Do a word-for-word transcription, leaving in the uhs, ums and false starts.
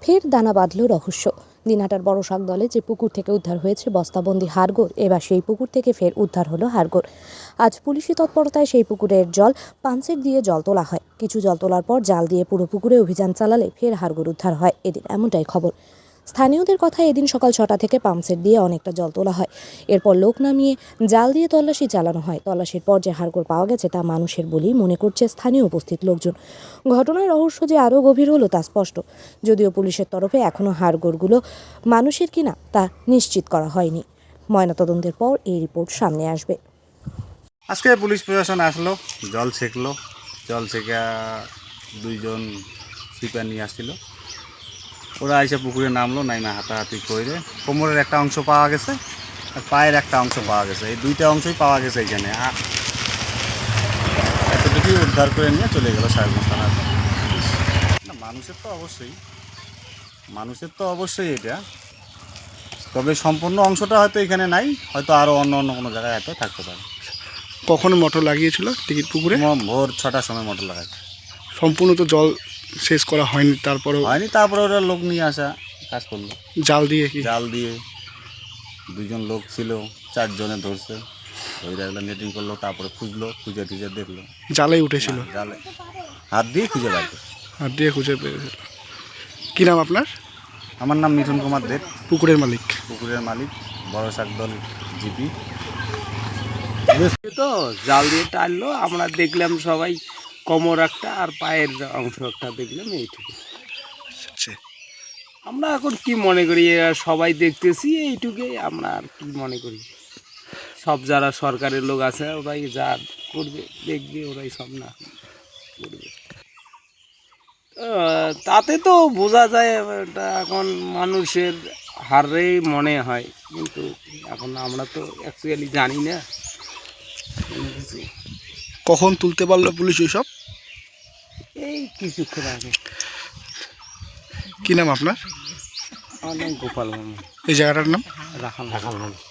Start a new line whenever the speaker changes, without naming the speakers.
ফের দানা বাঁধল রহস্য। দিনহাটার বড় শাকদলে যে পুকুর থেকে উদ্ধার হয়েছে বস্তাবন্দি হাড়গোড়, এবার সেই পুকুর থেকে ফের উদ্ধার হলো হাড়গোড়। আজ পুলিশি তৎপরতায় সেই পুকুরের জল পাম্পসেট দিয়ে জল তোলা হয়। কিছু জল তোলার পর জাল দিয়ে পুরো পুকুরে অভিযান চালালে ফের হাড়গোড় উদ্ধার হয় এদিন, এমনটাই খবর। স্থানীয়দের কথা, এদিন সকাল ছটা থেকে পাম্পসেট দিয়ে অনেকটা জল তোলা হয়। এরপর লোক নামিয়ে জাল দিয়ে তল্লাশি চালানো হয়। তল্লাশির পর যে হাড়গোড় পাওয়া গেছে তা মানুষের বলেই মনে করছে স্থানীয় উপস্থিত লোকজন। ঘটনার রহস্য যে আরও গভীর হলো তা স্পষ্ট, যদিও পুলিশের তরফে এখনও হাড়গোড়গুলো মানুষের কিনা তা নিশ্চিত করা হয়নি। ময়নাতদন্তের পর এই রিপোর্ট সামনে আসবে।
আজকে পুলিশ প্রশাসন আসলো, জল ছেঁকলো। জল ছেঁকা দুইজন সুইপার নিয়ে আসছিল। ওরা এসে পুকুরে নামলো, নাইমা হাতাহাতি করে কোমরের একটা অংশ পাওয়া গেছে আর পায়ের একটা অংশ পাওয়া গেছে। এই দুইটা অংশই পাওয়া গেছে এখানে। এতটুকুই উদ্ধার করে নিয়ে চলে গেল সাহেবগঞ্জ থানার। না, মানুষের তো অবশ্যই মানুষের তো অবশ্যই এটা, তবে সম্পূর্ণ অংশটা হয়তো এখানে নাই, হয়তো আরও অন্য অন্য কোনো জায়গায় হয়তো থাকতে পারে।
কখন মোটর লাগিয়েছিল টিকিট পুকুরে?
ভোর ছটার সময় মোটর লাগাচ্ছে।
সম্পূর্ণ তো জল শেষ করা হয়নি, তারপরে
হয়নি তারপরে ওরা লোক নিয়ে আসা কাজ করলো।
জাল দিয়ে কি
জাল দিয়ে দুজন লোক ছিল, চারজনে ধরছে, ওই রাখলে নেটিং করলো, তারপরে খুঁজলো, খুঁজে টুজে দেখলো
জালেই উঠেছিল।
জালে হাত দিয়ে খুঁজে বার করছে।
হাত দিয়ে খুঁজে পেয়েছিল। কী নাম আপনার?
আমার নাম মিঠুন কুমার দেব,
পুকুরের মালিক।
পুকুরের মালিক, বড় শাকদল জিপি।
তো জাল দিয়ে টানলো, আমরা দেখলাম সবাই কোমর একটা আর পায়ের অংশ একটা দেখলাম, এইটুকু।
আচ্ছা,
আমরা এখন কি মনে করি, এরা সবাই দেখতেছি এইটুকুই, আমরা আর কি মনে করি। সব যারা সরকারের লোক আছে ওরাই যা করবে, দেখবে, ওরাই সব না করবে। আহ, তাতে তো বোঝা যায় এটা এখন মানুষের হারেই মনে হয়, কিন্তু এখন আমরা তো অ্যাকচুয়ালি জানি না কোনো কিছু।
কখন তুলতে পারলো পুলিশ ওইসব?
এই কিছুক্ষণ আগে।
কী নাম আপনার?
আমার নাম গোপাল মামা।
এই জায়গাটার নাম?
রাখাল রাখাল